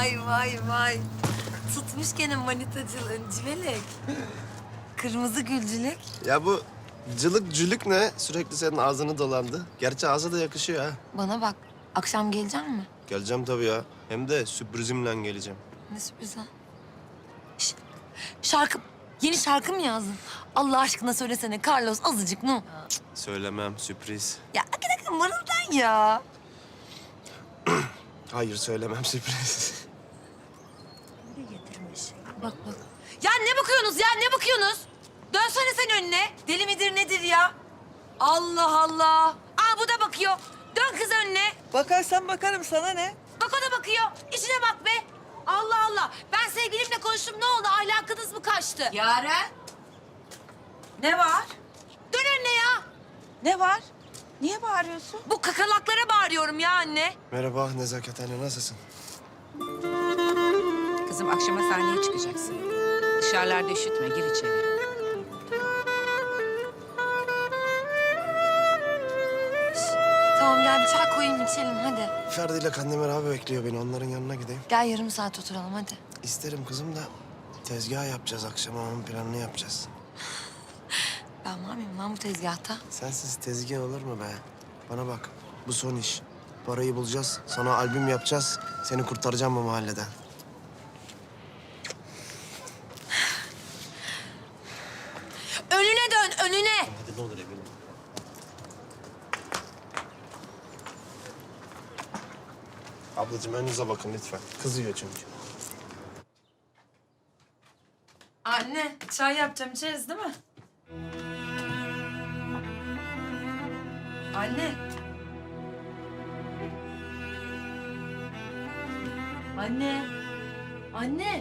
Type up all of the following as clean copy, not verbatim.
Vay. Tutmuş gene manitacılığın civelek. Kırmızı gülcülük. Ya bu cılık cülük ne? Sürekli senin ağzını dolandı. Gerçi ağza da yakışıyor ha. Bana bak, akşam gelecek mi? Geleceğim tabii ya. Hem de sürprizimle geleceğim. Ne sürpriz ha? Şarkı, yeni şarkı mı yazdın? Allah aşkına söylesene Carlos azıcık ne? Söylemem, sürpriz. Ya hakikaten mırıldan ya. Hayır söylemem, sürpriz. Bak. Ya ne bakıyorsunuz ya, ne bakıyorsunuz? Dönsene sen önüne. Deli midir nedir ya? Allah Allah. Aa bu da bakıyor. Dön kız önüne. Bakarsan bakarım, sana ne? Bak o da bakıyor. İşine bak be. Allah Allah. Ben sevgilimle konuştum, ne oldu? Ahlakınız mı kaçtı? Yaren. Ne var? Dön önüne ya. Ne var? Niye bağırıyorsun? Bu kakalaklara bağırıyorum ya anne. Merhaba Nezaket anne, nasılsın? Kızım akşama sahneye çıkacaksın. Dışarılarda üşütme, gir içeri. Tamam gel bir çay koyayım içelim hadi. Ferdi ile Kandemir abi bekliyor beni. Onların yanına gideyim. Gel yarım saat oturalım hadi. İsterim kızım da tezgah yapacağız akşama. Onun planını yapacağız. Ben var mıyım lan bu tezgahta? Sensiz tezgah olur mu be? Bana bak, bu son iş. Parayı bulacağız, sana albüm yapacağız. Seni kurtaracağım bu mahalleden. Önüne dön önüne. Hadi ne olur eminim. Ablacığım önünüze bakın lütfen. Kızıyor çünkü. Anne çay yapacağım içeriz değil mi? Anne. Anne.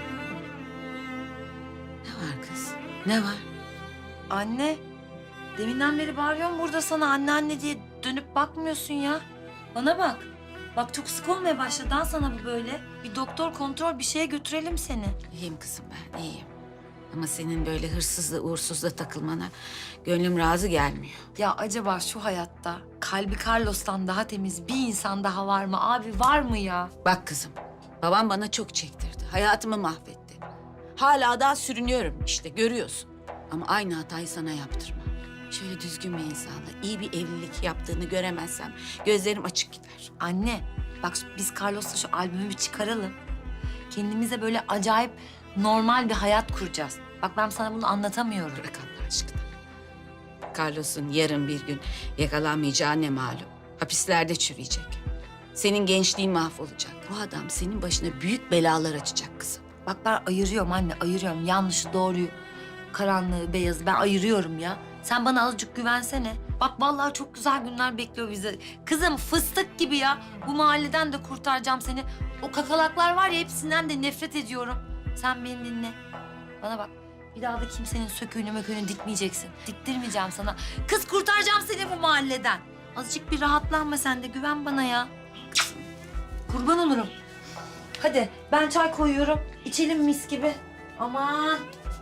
Ne var kız? Ne var? Anne. Deminden beri bağırıyorum burada sana anne diye dönüp bakmıyorsun ya. Bana bak. Bak çok sık olmaya başladı ha sana bu böyle. Bir doktor kontrol bir şeye götürelim seni. İyiyim kızım ben, iyiyim. Ama senin böyle hırsızla, uğursuzla takılmana gönlüm razı gelmiyor. Ya acaba şu hayatta kalbi Carlos'tan daha temiz bir insan daha var mı? Abi var mı ya? Bak kızım, babam bana çok çektirdi. Hayatımı mahvetti. Hala daha sürünüyorum işte, görüyorsun. Ama aynı hatayı sana yaptırma. Şöyle düzgün bir insanla iyi bir evlilik yaptığını göremezsem gözlerim açık gider. Anne bak biz Carlos'la şu albümü bir çıkaralım. Kendimize böyle acayip normal bir hayat kuracağız. Bak ben sana bunu anlatamıyorum. Bırak Allah aşkına. Carlos'un yarın bir gün yakalanmayacağı ne malum. Hapislerde çürüyecek. Senin gençliğin mahvolacak. Bu adam senin başına büyük belalar açacak kızım. Bak ben ayırıyorum anne, ayırıyorum. Yanlışı, doğruyu, karanlığı, beyazı ben ayırıyorum ya. Sen bana azıcık güvensene. Bak vallahi çok güzel günler bekliyor bizi. Kızım fıstık gibi ya. Bu mahalleden de kurtaracağım seni. O kakalaklar var ya hepsinden de nefret ediyorum. Sen beni dinle. Bana bak. Bir daha da kimsenin söküğünü möküğünü dikmeyeceksin. Diktirmeyeceğim sana. Kız kurtaracağım seni bu mahalleden. Azıcık bir rahatlanma sen de. Güven bana ya. Kurban olurum. Hadi ben çay koyuyorum. İçelim mis gibi. Aman.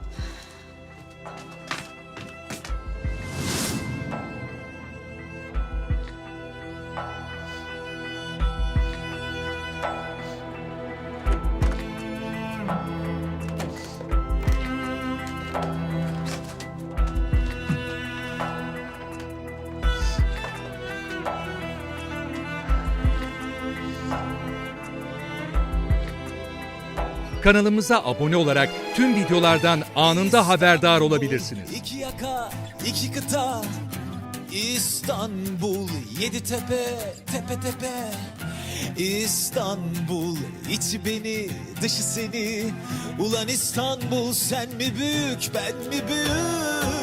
Kanalımıza abone olarak tüm videolardan anında haberdar olabilirsiniz. İki yaka, iki kıta, İstanbul, yedi tepe, tepe tepe. İstanbul, içi beni, dışı seni. Ulan İstanbul, sen mi büyük, ben mi büyük?